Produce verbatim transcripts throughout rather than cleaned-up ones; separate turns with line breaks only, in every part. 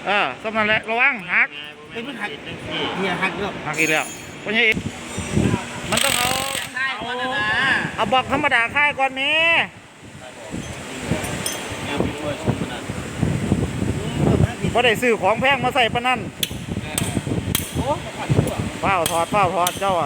เออสำนันแหละระวังหัก
ไอ้มันหักเนี่ยหักเยอะ
หักอีกแล้วเพราะงี้มันต้องเอา
เอา
เอาบอกธรรมดาค่ายก่อนนี้พอได้ซื้อของแพงมาใส่ปะนั่นเฝ้าถอดเฝ้าถอดเจ้าอ่ะ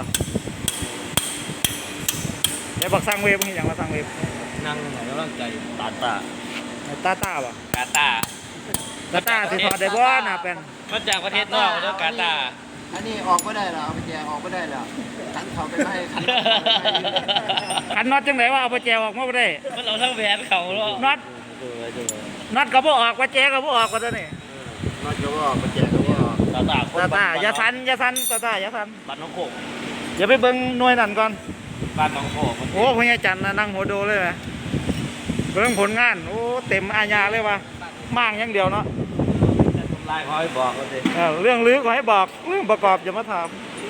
เดี๋ยวบอกสั่งเวฟนี่อย่างมาสั่งเวฟ
นั่งกำลังใจตาตา
ตาตาป่ะ
กาตา
ตาตาสิถอดได้บ่น่ะเป็น
มาจากประเทศนอกแล้วกาตา
อันนี้ออกไม่ได้หรอเอาไปแจกออกไม่ได้หรอขันเขาไปให้ขัน
ขันน็อตจังไหนว่าเอาไปแจวออกมาบ่ได้
มันเราทั้งแหวนเขาแล้ว
น็อตน็อตก็บ่ออกว่าแจก็บ่ออกว่าตัวนี้
นอกจากว่าออกไปแจกก็ว่าออก
ตาตา
ตาตาอย่าสันอย่าสันตาตาอย่าสัน
บ้านน้องโขก
อย่าไปเบิ่งหน่วยนั่นก่อน
บ้านน้องโขก
โอ้พญาจันทร์น่ะนั่งหัวโดเลยไหมเบิ่งผลงานโอ้เต็มอาญาเลยว่ะมางอย่างเดียวเนาะ
ลายคอยบอกกันสิ
เออเรื่องลึกขอให้บอกเรื่องประกอบอย่ามาถาม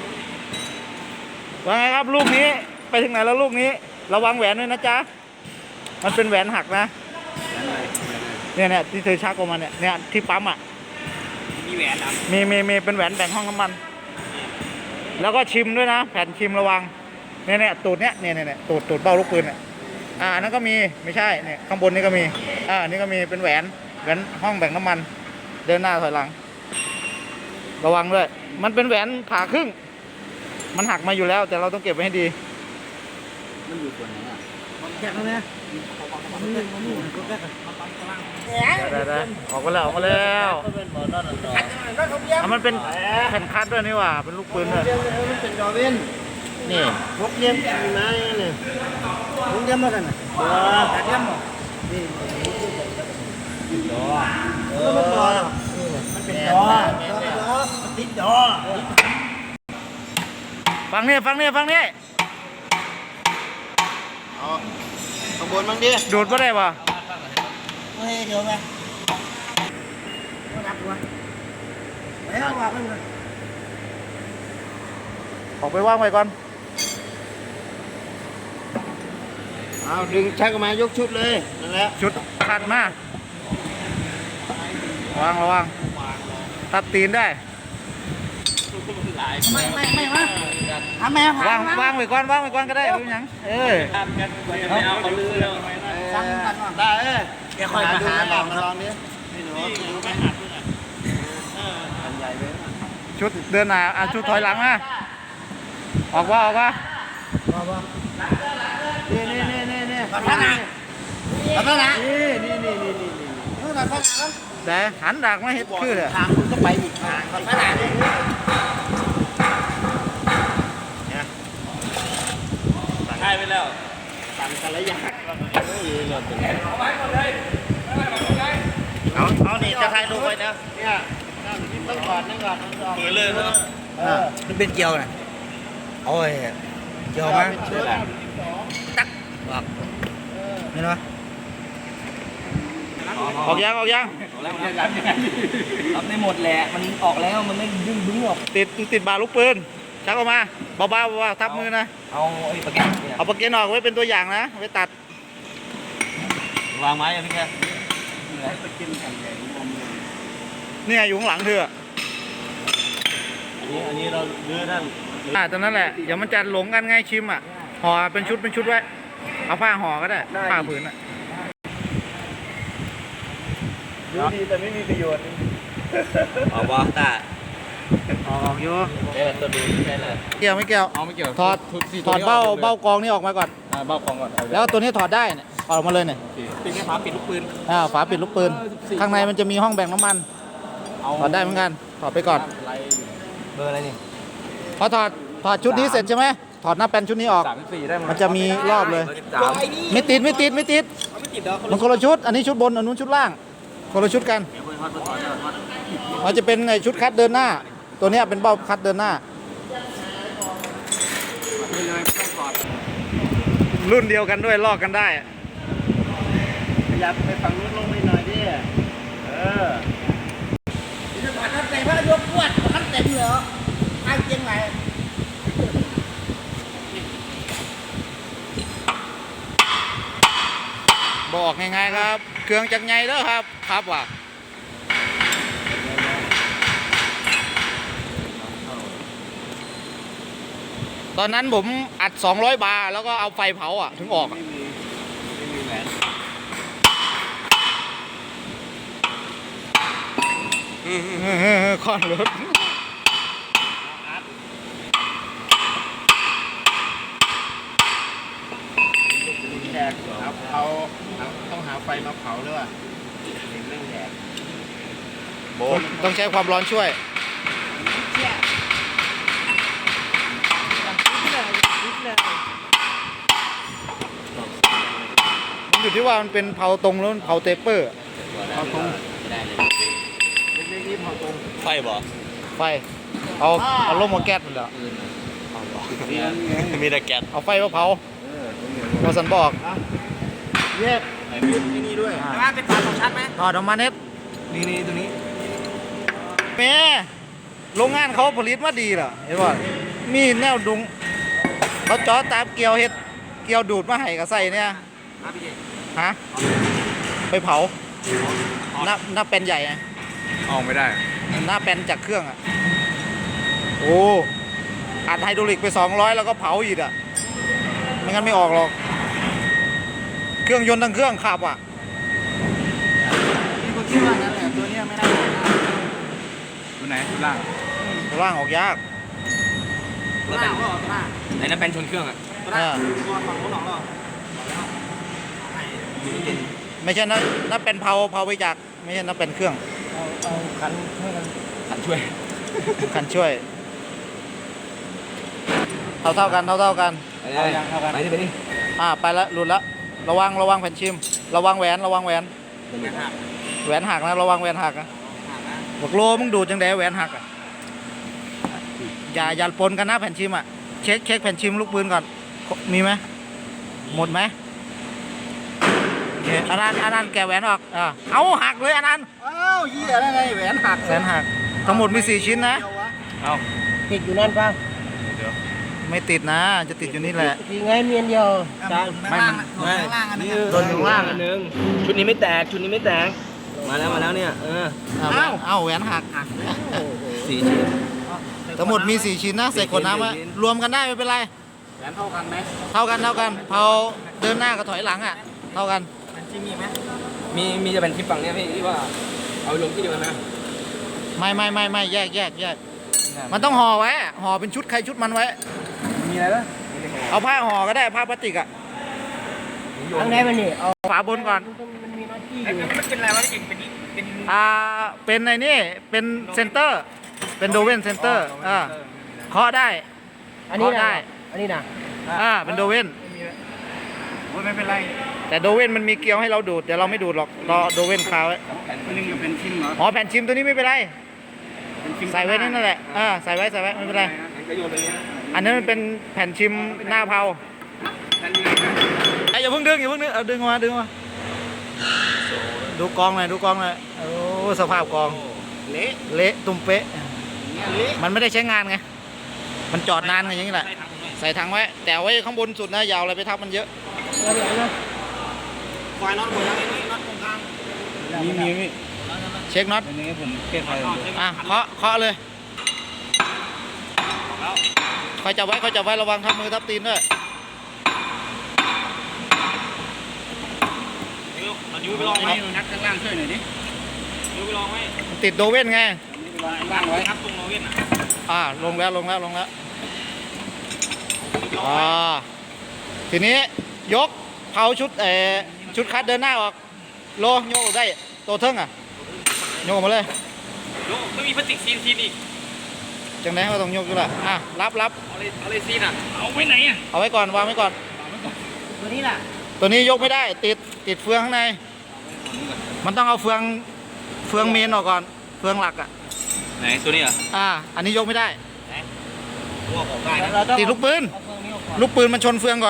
ว่าไงครับลูกนี้ไปถึงไหนแล้วลูกนี้ระวังแหวนด้วยนะจ๊ะมันเป็นแหวนหักนะเนี่ยเนี่ยที่เธอชักออกมาเนี่ยเนี่ยที่ปั๊มอ่ะ
มีแหวนด
มีมีมีเป็นแหวนแบ่งห้องน้ำมัน แล้วก็ชิมด้วยนะแผ่นชิมระวังเนี่ยเนี่ยตูดเนี่ยเนี่ยเนี่ยตูดตูดเบ้าลูกปืนเนี่ยอ่าอันนั้นก็มีไม่ใช่เนี่ยข้างบนนี่ก็มีอ่าอันนี้ก็มีเป็นแหวนแหวนห้องแบ่งน้ำมันเดินหน้าถอยหลังระวังด้วยมันเป็นแหวนผ่าครึ่งมันหักมาอยู่แล้วแต่เราต้องเก็บไว้ให้ดี
มันอยู่ส่วนไหนอ่ะ
แค่นั้นนะ
ได้ได้ออกมาแล้วออกมาแล้วอ่ะมันเป็นแผ่นคัดด้วยนี่หว่าเป็นลูกปืนด้วย
มันเป็นดอเวน
นี่
พกเลี้ยมขี่ม้าเนี่ยพกเลี้ยมมากันนะตัวขาดเลี้ยมหรอนี่ดอเออมันดอมันเป็นดอดอมันติดดอ
ฟังนี่ฟังนี่ฟังนี่
เอาข้างบนบ้างดิ
ดูดไม่ได้ป่ะ
เฮ้ยเดี๋ยวไงรับวะแล้ววางมันเลย
ออกไปว่างไว้ก่อน
เอาดึงชักออกมายกชุดเลยนั่นแหละ
ชุดขัดมาวางระวังตัดตีนได้
ไม่ไม่ไม่วะทำไม
วางวางไว้ก่อนวางไว้ก่อนก็ได้ไม่เป็นหยังเออ
ทำกันไม่เอาเขาลือแล้ว
สั่งกันก่อนได้เออเดี๋ยวคอยมาหาลองมาลองดินี่หนูดูไหมอันใหญ่เลย
ชุดเดินหน้าอ่ะชุดถอยหลังนะออกว่าออกว่า
นี่นี่นี่นี่นี่ขอโทษนะขอโทษนะนี่นี่นี่นี่นี่นี่ขอโทษนะ
แต่หันดักมาเห็ดคือเลย
ทางคุณก็ไปอีกทางขอโทษนะเนี่ย
ใช่ไปแล้ว
ตันกันระยะ
เอาเอานี่จะถ่ายรูปไว้นะ
เนี่ยต้องก่อนนั่งก่อนนั่งก่อน
เปิดเลยนะ
มันเป็นเกียวนะโอ้ยเกียวมั้ยตักบอกเห็นไหม
ออกยังออกยัง
รับได้หมดแหละมันออกแล้วมันไม่ดึงดึงออก
ติดติดบาลูกปืนชักออกมาเบาๆเบาๆทับมือนะ
เอาไอ้ปากแก้ว
เอาปากเกนออกไว้เป็นตัวอย่างนะไว้ตัด
วางไม้อะพี่แก
เนี่ยอยู่ข้างหลังเธอ
อันนี้อันนี้เราเลือนั่น
อ่าตอนนั้นแหละเดี๋ยวมันจะหลงกันไงชิมอ่ะห่อเป็นชุดเป็นชุดไว้เอาผ้าห่อก็ได้ผ้าผืนอ่ะ
ดูดีแต่ไม่มีประโยชน์
ออกวะตา
ออกออกอยู่
เออตัวดูใช่เลย
เกี่ยวไม่เกี่ยว
เอาไม่เกี่ยว
ถอดถอดเบ้าเบ้ากองนี่ออกมาก่อน
เบ้ากองก่อน
แล้วตัวนี้ถอดได้เนี่ยออกมาเลยเนี่ย
เป็นแค่ฝาปิดลูกปืน
อ่าฝาปิดลูกปืนข้างในมันจะมีห้องแบ่งน้ำมันถอดได้เหมือนกันถอดไปก่อน
เบอร์อะไรนี่
พอถอดถอดชุดนี้เสร็จใช่ไหมถอดหน้าแป้นชุดนี้ออก
สามสี่ได้
มันจะมีรอบเลย
สาม
ไม่ติดไม่ติดไม่ติด
ไม่ติดแล้ว
มันคนละชุด อันนี้ชุดบนอันนู้นชุดล่างคนละชุดกันมันจะเป็นไอ้ชุดคัดเดินหน้า ตัวเนี้ยเป็นเบ้าคัดเดินหน้า รุ่นเดียวกันด้วยลอกกันได้
ขยับไปฝั่งนู้นลงไปหน่อยดิเออจะถอดน้ำเต็มแล้วยกขวดน้ำเต็มเหรอไอ้เจียงไหน
บอกง่ายๆครับ เครื่องจักรใหญ่เด้อครับครับว่ะตอนนั้นผมอัดสองร้อยบาร์แล้วก็เอาไฟเผาอ่ะถึงออกอะ
ไม่มีไม่มีแหวน
เออคอนรถ
แขกครับเขาต้องหาไฟมาเผาด้วย
เรื่องแหวน
โบต้องใช้ความร้อนช่วย มันอยู่ที่ว่ามันเป็นเผาตรงแล้วเผาเตเปอร์
เอาตรงได้เลย
เล็กๆนี่เผาตรง
ไฟบ่
ไฟ เอาเอาลมมาแก๊สมันเหรอ
มีแต่แก๊ส
เอาไฟมาเผาพอสันบอก
แยกไอ้นี่ด้วย
ว่าเป็นฝาสองชั้นไหม
ถอดออกมาเน็ต
นี่นี่ตัวนี้
แม่โรงงานเขาผลิตมาดีเหรอเห็นว่ามีแนวดุงเขาเจาะตามเกลียวเฮ็ดเกลียวดูดมาให้กับใส่เนี่ย
ครับพี่เจ
ฮะไปเผาหน้าหน้าเป็นใหญ่ไง
ออกไม่ได้
หน้าเป็นจากเครื่องอ่ะโอ้อัดไฮดรอลิกไปสองร้อยแล้วก็เผาอีกอ่ะไม่งั้นไม่ออกหรอกเครื่องยนต์ทั้งเครื่องขับอ่ะ
พี่ก็คิดว่านั่นแหละตัวเนี้ยไม่น่าตัวไหนตัวล่าง
ตัวล่างออกยาก
ตัวล่างก็ตัวล่างไหนนั่นเป็นชนเครื่องอ่ะ
เออ
ตัวฝั่งโน้นหรอ
ไม่ใช่นะน่าเป็นเผาเผาไปจากไม่ใช่น่าเป็นเครื่อง
เอาเอาคันให้กัน
ขันช่วย
กันช่วยเท่าเท่าๆกันเท่าเท่าๆกัน
เอายังเท่ากันไปดิไปดิ
อ่าไปละหลุดละระวังระวังแผ่นชิม ระวังแหวนระวังแหวนแหวนหักนะระวังแหวนหักนะบอกโลมึงดูดจังไดแหวนหักอ่ะอย่าอย่าปนกันนะแผ่นชิมอ่ะเช็คเช็คแผ่นชิมลูกปืนก่อนมีไหมหมดไหมโอเคอันนั้นอันนั้นแกะแหวนออกอ่าเอาหักเลยอันนั้น
อ้าวเหี้ยอะไรแหวนหัก
แหวนหักทั้งหมดมีสี่ชิ้นนะ
เอา
ติดอยู่นั่นป่ะ
ไม่ติดนะ จะติดอยู่นี่แหละ
ทีไงเมียนเดียวจาน
ไม่มัน
ไม่นี่โดนอยู่ล่างอันนึงชุดนี้ไม่แตกชุดนี้ไม่แตกมาแล้วมาแล้วเนี่ยเออ
เอาแหวนเอาแหวนหัก
สี่ชิ้น
ทั้งหมดมีสี่ชิ้นนะใส่ขวดน้ำไว้
สี่ชิ้น
รวมกันได้ไม่เป็นไร
แหวนเท่ากันไหม
เท่ากันเท่ากันเผาเดินหน้ากับถอยหลังอ่ะ เท่ากัน
มันจิมีไหม
มีมีจะเป็นคลิปฝั่งเนี้ยพี่ที่ว่าเอาลงที่เดียวกันนะ
ไม่ไม่ไม่ไม่แยกแยกแยกมันต้องห่อไว้อะห่อเป็นชุดใครชุดมันไว้
มีอะไรบ้าง
เอาผ้าห่อก็ได้ผ้าพลาสติกอ่ะ
ทางไหนมันนี่เอา
ฝาบนก่อน
มันมีหน้าที่อ
ไอ้
ยู่
มันเป็นอะไรวะที่เป็นเป็น
อ่าเป็นไอ้นี่เป็นเซนเตอร์ เป็นโดเวนเซนเตอร์อ่าเคาะได้
อันนี้
เคาะได้
นะอันนี้นะ
อ่าเป็นโดเวน
ไม่เป็นไร
แต่โดเวนมันมีเกลียวให้เราดูดแต่เราไม่ดูดหรอกรอโดเวนคาไว้
อันนึงจะเป็นชิ้นเหรอ
อ๋อแผ่นชิมตัวนี้ไม่เป็นไร
เป็นชิ้น
ใส่ไว้นั่นแหละอ่าใส่ไว้ใส่ไว้ไม่เป็นไร
ก็โยนไปเนี้ย
อันนั้นมันเป็นแผ่นชิมหน้าเผา
นั่นยังไงนะ
ไอ้ยอย่าเพิ่งดึงอย่าเพิ่งดึงเอาดึงออกมาดึงออกมาดูกองหน่อยดูกองหน่อยโอ้สภาพกอง
เละ
เละตุ้มเป๊ะ
เนี่ยเละ
มันไม่ได้ใช้งานไงมันจอดนานไงอย่างนี้แหละใส่ถังไว้แต่เอาไว้ข้างบนสุดนะอยาวอะไรไปทับมันเยอะ
เอาเดี๋ยวนะ
ไฟน็อตหมดแล้วนี่น็อตตรงกลาง
มีมีมี
เช็คน็อต
อันนี้ผมเก็บไว้
อ่ะเคาะเคาะเลยคอยจับไว้คอยจับไว้ระวังทับมือทับตีนด้วย
เอานิ้วไปลองไหม
นัดข้างล่างช่วยหน่อยดิ
นิ้วไปลองไหม
มันติดโดเว่นไง
ล่างไว้
ครับตรงโนเว่นอ่ะ
อ่าลงแล้วลงแล้วลงแล้วอ่าทีนี้ยกเผาชุดเออชุดคัดเดินหน้าออกโลโยกได้โตเทิงอ่ะโยกมาเลย
โยไม่มีพลาสติกซีนซีนอีก
จังไดก็ต้องยกอยู่ละอ่ะรับรับ
เอาเลยเอาเลยซีนอ่ะเอาไว้ไหนอ่ะ
เอาไว้ก่อนวางไว้ก่อน
ตัวนี้ล่ะ
ตัวนี้ยกไม่ได้ติดติดเฟืองข้างใน มันต้องเอาเฟืองเฟืองเมนออกก่อนเฟืองหลักอ่ะ
ไหนตัวนี้อ่ะ
อ่าอันนี้ยกไม่ได้
พวกของได้นะ
เราต้อง
ติดลูกปืน
เอาเครื่องนี้ออกก่อน
ลูกปืนมันชนเฟืองก่อน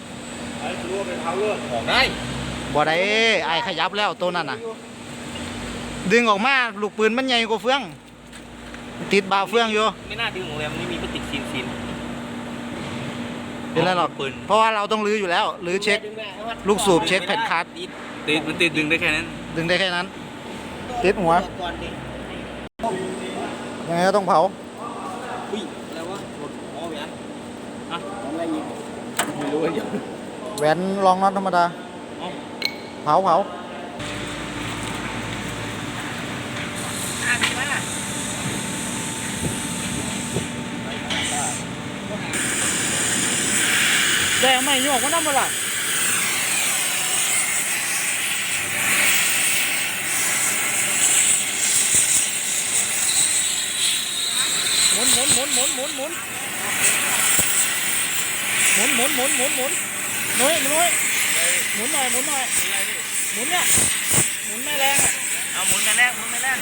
ของได้
บ่ได้ไอ้ขยับแล้วตัวนั้นน่ะ ดึงออกมาลูกปืนมันใหญ่กว่าเฟือง ติดบ่าเฟืองอยู่
ไม่น่าดึงของแรมไม่มีพลาสติกซีนซีน
เป็นไรหรอก
ปืน
เพราะว่าเราต้องรื้ออยู่แล้วรื้อเช็ค ลูกสูบเช็คแผ่นคัด
ติดมันติดดึงได้แค่นั้น
ดึงได้แค่นั้น ติดหัว
ก่อนดิ
ยังไงก็ต้องเผา
อุ้ยอะไรวะหมดอ๋อแหวนอะไรอีกไม่รู้ว่าเดี๋ยว
แหวนรองน็อตธรรมดา เผาเผาได้ไหมโยกมันน้ำมันล่ะหมุนหมุนหมุนหมุนหมุนหมุนหมุนหมุนหมุนหมุนหมุนน้อยน้อยหมุนหน่อยหมุนหน่อยหมุนเนี่ยหมุนไม่แรงอ่ะ
เอาหมุนแรงหมุนแรง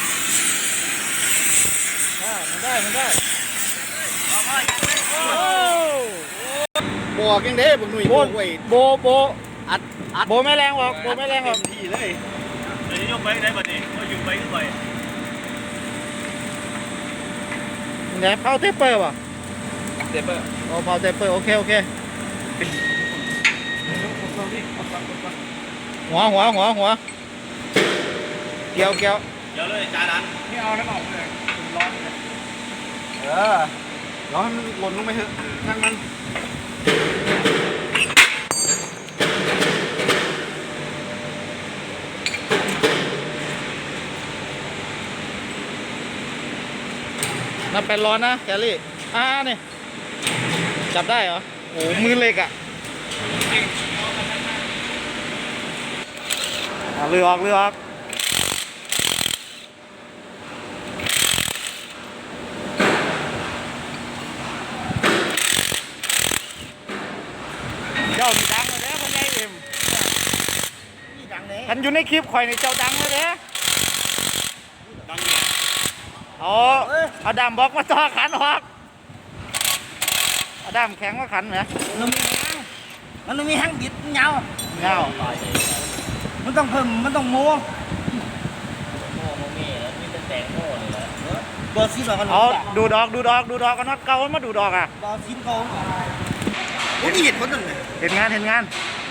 อ่ามันได้มันได้
เอาพ่อยังไม่
โอ้
บอกยังเด้บุกหนุ่ย
โบ
ไว้
โบโบ
อัดอัด
โบไม่แรงหรอกโบไม่แรงหรอก
ที่เลย
เดี๋ยวยกไปได้บัดนี้เอาอยู่ไปขึ้นไป
เนี่ยเผาเทปเปอร์ป่ะ
เดบเบอร์
โอ้เผาเทปเปอร์โอเคโอเคหัวหัวหัวหัวเกี่ยวเกี่ยว
เดี๋ยวเลยจาดัน
ไม่เอาแล้วออกเลยร้อนเลยเออร้อนมันหล่นลงไปเถอะนั่งมัน
นับเป็นร้อนนะแคลรี่อ่านี่จับได้เหรอโอ้มือเล็กอ่ะอ่ะเรือออกเรือออกเจ้ามีดังเลยนะคนใหญ่เอ็ม
นี่ดังเลย
ทันอยู่ในคลิปข่อยในเจ้าดังเลยเด้
ดังอยู่
อ๋อเอาดามบล็อกมาต่อขันออกเอาดามแข็งมาขันเหรอ
มันมีแห้งมันมีแห้งบิดเงา
เงา
มันต้องเพิ่มมันต้องโม้
โม่โม่เม่แล้วมีแต่แตงโม่เลยแล้ว
บอลซีบกัน
เอาดูดอกดูดอกดูดอกกันน็อตเก่ามาดูดอกอ่ะ
บอลซีเขาโอ้ยเหตุผลนั่นเลย
เห็นงานเห็นงาน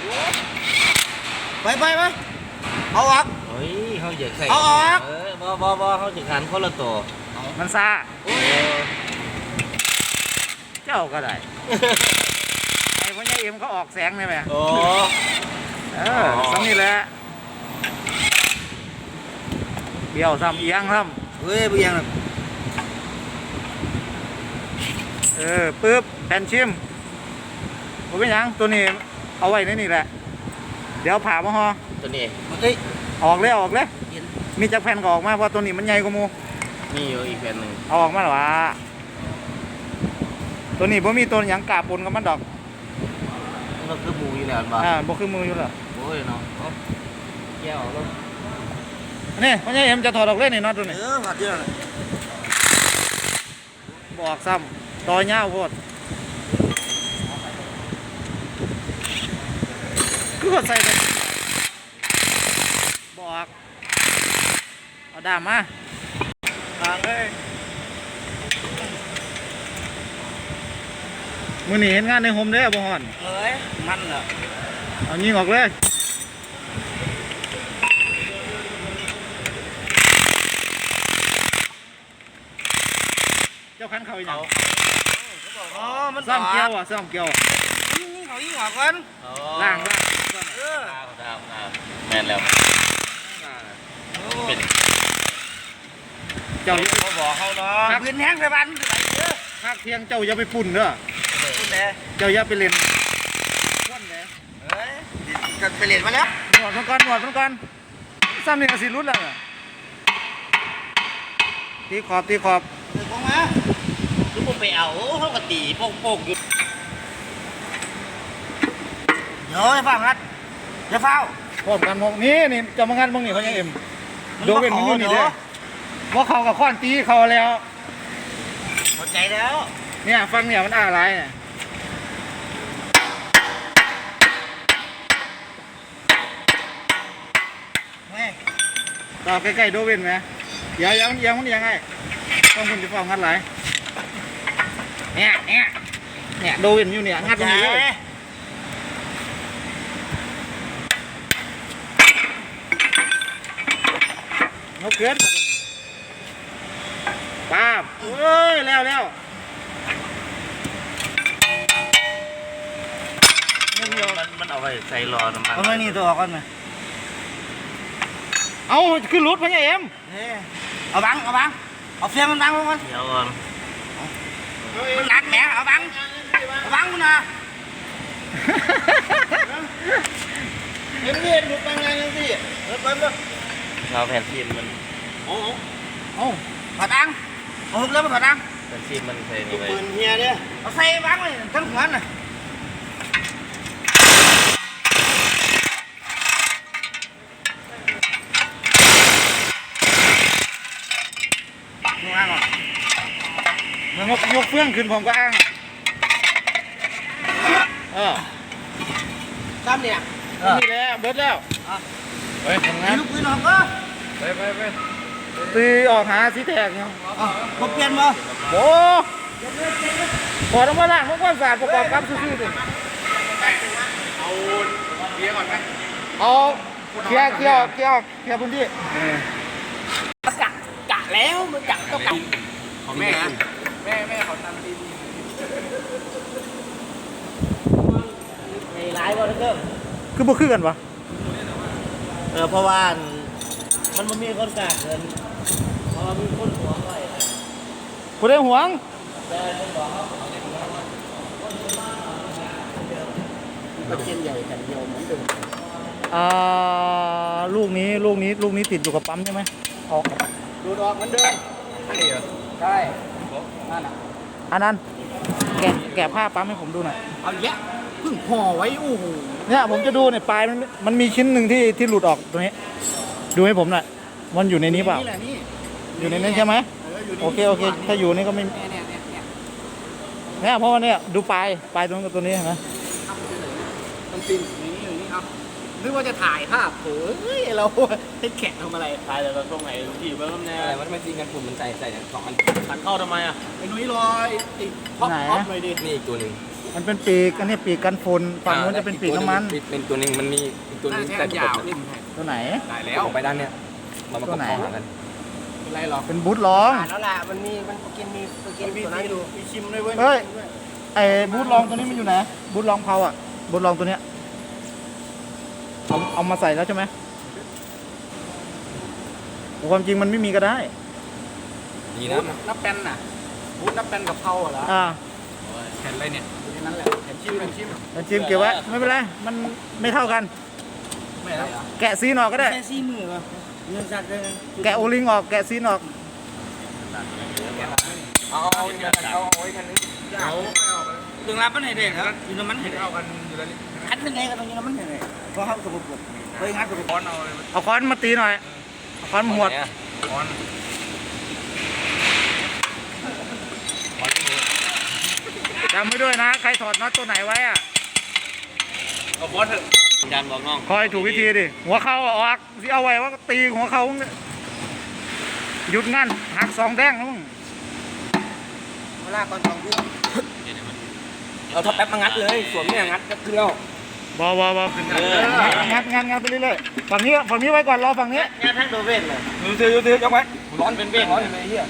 ไปไปไปเอาออก
เฮ้ยเขาอยากใส่
เอาออก
เออบ่บ่บ่เขาจะขันคนละตัว
มันซาเจ้าก็ได้ไอ้พ่อใหญ่เอ็มเขาออกแสงได้ไหม
โอ้
เออซ้ำนี่แหละเบี้ยวซ้ำเอียงซ้
เฮ้ยเบียง
ำเออปึ๊บแผ่นชิมผมเป็นหยังตัวนี้เอาไว้ในนี่แหละเดี๋ยวผ่ามาฮอ
ตัวนี้
เฮ้ย
ออกเลยออกเลยมีจากแผ่นก็ออกมาเพราะตัวนี้มันใหญ่กว่าหมู
มีอยู่อีกแผ่นหนึ่ง
เอาออกมาหรอวะตัวนี้บ่มีตัวหยังกาปนกับมันดอก
มันคือหมูอยู่แล้วบ่
อ่าบ่คือมืออยู่แล้ว
โอ้ยเนาะเอาแก้วแล้ว
นี่พ่อใหญ่เอ็มจะถอดออกเลยนี่น็อตตัวนี้
เออหัดเยอะเลย
บอกซ้ำต่อยาวโพดคือว่าใส่ไปบอกเอาดามมา
ทางเลย
มือหนีเห็นงานในโฮมเด้อบ่ฮอน
เฮ้ยมันเหรอ
เอายิงออกเลยเจ้าคันเขาอีกอย่าง
อ๋อมัน
ซ่อมเกลียวอ่ะซ่อมเกลียวอะ
ยิงเขายิงหัวกัน
ล่างล่าง
เออ
ดาวดาวดาวแม่นแล้ว เป็น
เจ้า
เขาบอกเขาเนาะ
ปืนแห้งไปบ้านไปเยอะ
ภาคเที่ยงเจ้าอย่าไปปุ่นเด้อ
คุณแม่
เจ้าอย่าไปเล่นควันแหม
เฮ้ยกันไปเรียนมาแล้ว
หนวดมันก่อนหนวดมันก่อนซ้ำนี่ก็สิรุดแล้วอะตีขอบตีขอบ
เดี๋ยวผมมา
คือผมไปเอาเขาก็ตีโป่งๆอยู่
เดี๋ยวจะฟังรัดจะเฝ้า
พร้อมกันพวกนี้นี่เจะมางานพวกนี้เขายังเอ็มโดเวนมันอยู่นี่เด้อว่าเขากับข้อนตีเขาแล้ว
เข้าใจแล้ว
เนี่ยฟังเนี่ยมันอะไรเนี่ย
แม่
ต่อใกล้ๆโดเวนไหมเดี๋ยวยังยังมันยังไงต้องคุณจะฟังงัดไหลายเนี่ยเนี่ยเนี่ยโดเวนอยู่เนี่ยงัดตรงนี้เลยนกเกินป้าบเอ้ยแล้วแล้ว
ไปใส่รอน้ำมัน
เอาไว้นี่ตัวออกก่อนไหม
เอาขึ้นรถพญาเอ็ม
เฮ้เอาบังเอาบังเอาเฟียงมันบังก่อน
เดี๋ยวก่อน
มันหนักแหมเอาบังเอาบังกูนะเห็นเห็นหลุดบังไงยังสิเออบังเลย
เราแผ่นซีนมัน
โอ้โอ้ถอดบังเอาหุบแล้วมาถอดบัง
แผ่นซีนมันใส่นี่ไว้
ปืนเฮียเนี่ยเอาใส่บังเลยทั้งหัวน่ะมึงอ้างเหรอ
มันยกยกเฟื่องขึ้นผมก็อ้างเออ
ซ้ำเนี่ย
นี่แหละเบิดแล้วไปทำงาน
ลูกปืนออกก็
ไปไปไปตีออกหาสีแตกเนาะ
อ๋อผมเปลี่ยนมา
โอ้ขอต้องมาล้างพวกความสะอาดประกอบกับซื่อๆดิเอาเคลียร์ก่อนไหมเอาเคลียร์เคลียร์เคลียร์เคลียร์พื้นที่
กะกะแล้วมันกะก็กะ
ของแม่นะ
แม่แม่เขาทำดี
ในร้ายว่าเรื่อง
คือบ่คือกันวะ
เออเพราะว่ามันมันมีคนกะเงินเพราะว่ามีคนหัวไว้
กูได้หวง
มันเจนใหญ่แผ่นเดียวเหมือนเดิม
อ่าลูกนี้ลูกนี้ลูกนี้ติดอยู่กับปั๊มใช่ไหมออก
ดูดออกเหมือนเดิมใช่นั่นอ่ะ
อันนั้นแกะแกะผ้าปั๊มให้ผมดูหน่อย
เอาแยะเพิ่งห่อไว้โอ้โห
เนี่ยผมจะดูเนี่ยปลายมันมันมีชิ้นหนึ่งที่ที่หลุดออกตรงนี้ ดูให้ผมหน่อยมันอยู่ในนี้เปล่า
นี่แหละนี่
อยู่ในนั้นใช่ไหม
เอออยู่นี่
โอเคโอเคถ้าอยู่นี่ก็ไม่
เนี่ยเนี่ยเนี่ยเนี่ย
เนี่ยเพราะว่าเนี่ยดูปลายปลายตรงกับตัวนี้เห็นไหม
มันปินอยู่นี่อยู่นี่เอานึกว่าจะถ่ายภาพโอ้ยเราให้แขกทำอะไร
ถ่ายแต่เราช่วงไหนลูกพี่เบิ้มแน่อะไรมันไม่ซีนกันฝุ่นมันใส่ใส่สองอันขันเข้าทำไมอ่ะ
ไอ้นุ้ยลอยติดท็อปท็อปเลยดิ
นี่อีกตัวหนึ่ง
มันเป็นปีกอันนี้ปีกกันฝุ่นฝั่งนู้นจะเป็นปีกน้ำมัน
เป็นตัวหนึ่งมันมีอีกตัวหนึงแต่
ยาว
ประกบ
นี่
ตัวไหน
ได้
แล้
แล้ว ว
ไปด้านเนี้ยมันมาประกอบกัน
เป็นไรหรอก
เป็นบูทล้อง
ผ่านแล้วแหละมันมีมันกินมีกินตัวนั้นอยู่มีชิมด้วยเว้ย
เฮ้ยไอ้บูทลองตัวนี้มันอยู่ไหนบูทลองเพาอ่ะบูทลองตัวเนี้ยเอาเอามาใส่แล้วใช่ไหมแต่ความจริงมันไม่มีก็ได้
ดีนะ
นับเป็นน่ะบูธนับเป็นกับเผาเหรอ
อ่า
แผ่นอะไรเนี่ยอยู่ในนั้นแหละแผ่นชิมแผ่นชิม
แต่ชิมเก็บไว้ไม่เป็นไรมันไม่เท่ากัน
ไม่แล้ว
แกะซีนออกก็ได้
แค่ซี่มือป่ะเงินสัตว์เลย
แกะโอลิงออกแกะซีนออก
เอาเอาเอาเอาไว้กันนึง
เอาถึงรับมันไหนเด็กครับอยู่ในมันเห็นเอากันอยู่แล้วคัดเป็นไงกันตรงนี้มันเห็นไงเพราะเขาสกปรกเฮ้ยงัดสกปรกเอา
เอาค้อนมาตีหน่อยเอาค้อนมาหวด
ค้อนค้อน
จำไว้ด้วยนะใครถอดน็อตตัวไหนไว้อ่ะ
เอาค้อนเถอะจานบอกน้อง
คอยถูกวิธีดิหัวเข่าออกสิเอาไว้ว่าตีหัวเข่าเนี่ยหยุดงั้นหักสองแดงนะมึง
เวลาก่อนสองทุ่ม
เอาท็อปแป๊บมางัดเลยสวมเนี่ยงัดก็ขึ้นแล้ว
บอบอบองัดงัดงัดไปเรื่อยๆฝั่งนี้ฝั่งนี้ไว้ก่อนรอฝั่งนี้
งานทั้งโดเวนเลย
ดูซื้อดูซื้อยกไว้ร้อนเป็นเบ้ร้อนเป็นไอ้เหี้ย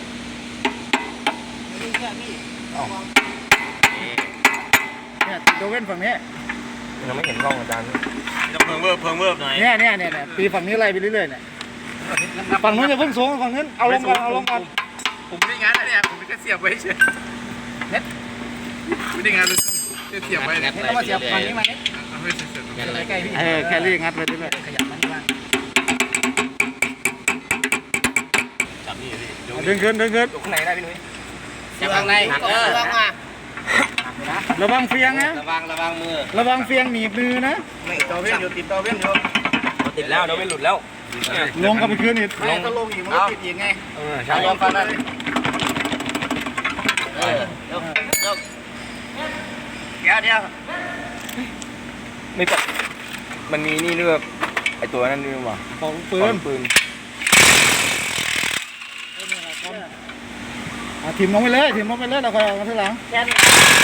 เนี่ยติดโดเว่นฝั่งนี้
ยังไม่เห็นกล้องอาจารย์จะเพิ่งเวิร์บเพิ่งเวิร์บหน่อย
เนี่ยเนี่ยเนี่ยเนี่ยตีฝั่งนี้ไล่ไปเรื่อยๆเนี่ยฝั่งนู้นอย่าเพิ่งสูงฝั่งนู้นเอาลงก่อนเอาลงก่อน
ผมไม่ได้งานนะเนี่ยผมแค่เสียบไว้เฉยเน็ตไม่ได้งานเลยแค่เสียบไว้เนี่ย
เอามาเสียบฝั่งนี้มาเนี่ย
เอาไว้เฉย
ใกล้ๆพี่
เออแครี่งัดไปเรื่อย
ขยับมันบ้าง
จับนี่พี่
ๆดึงขึ้นดึงขึ้น
ยกข้างในได้พี่นุ้ย
จับข้างในเออข้างมา
ระวังเฟียงนะ
ระวังระวังมือ
ระวังเฟียงหนีบมือนะ
ไม่ต่อเว้นอยู่ติดต่อเว้นอยู่
ติดแล้วเดี๋ยวไม่หลุดแล้ว
ลงกับไปคืนอีก
ไม่ถ้าลงอีกมันก็ติดอีกไง
เออใช่
ลองกันนั่นเออเดี๋ยวเดี๋ยวเดี๋ยวเดี๋ยว
ไม่ปะมันมีนี่ด้วยไอตัวนั้นด้วยว่ะ
ของปืน
ปืน
อ่ะทีมลงไปเลยทีมลงไปเลยเราคอยเอามาทีหลัง
แค่นี้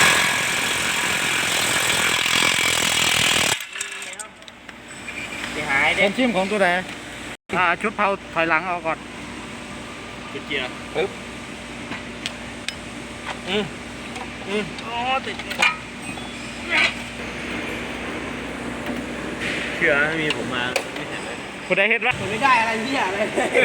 หาย
เป็
เด็ก
นชิมของตัวไหนอ่าชุดเผาถอยหลังเอาก่อน
จุดเกียร์ปึ๊บอืมอืม
อ๋อติด
เชื่อไม่มีผมมาไม่เห็นเลย
คุณได้เห็นปะ
ผมไม่ได้อะไรพี่อะไร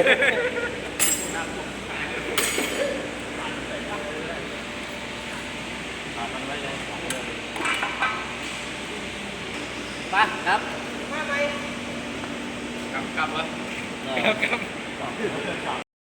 ไปครับ
กลับกลับวะกลับกลับ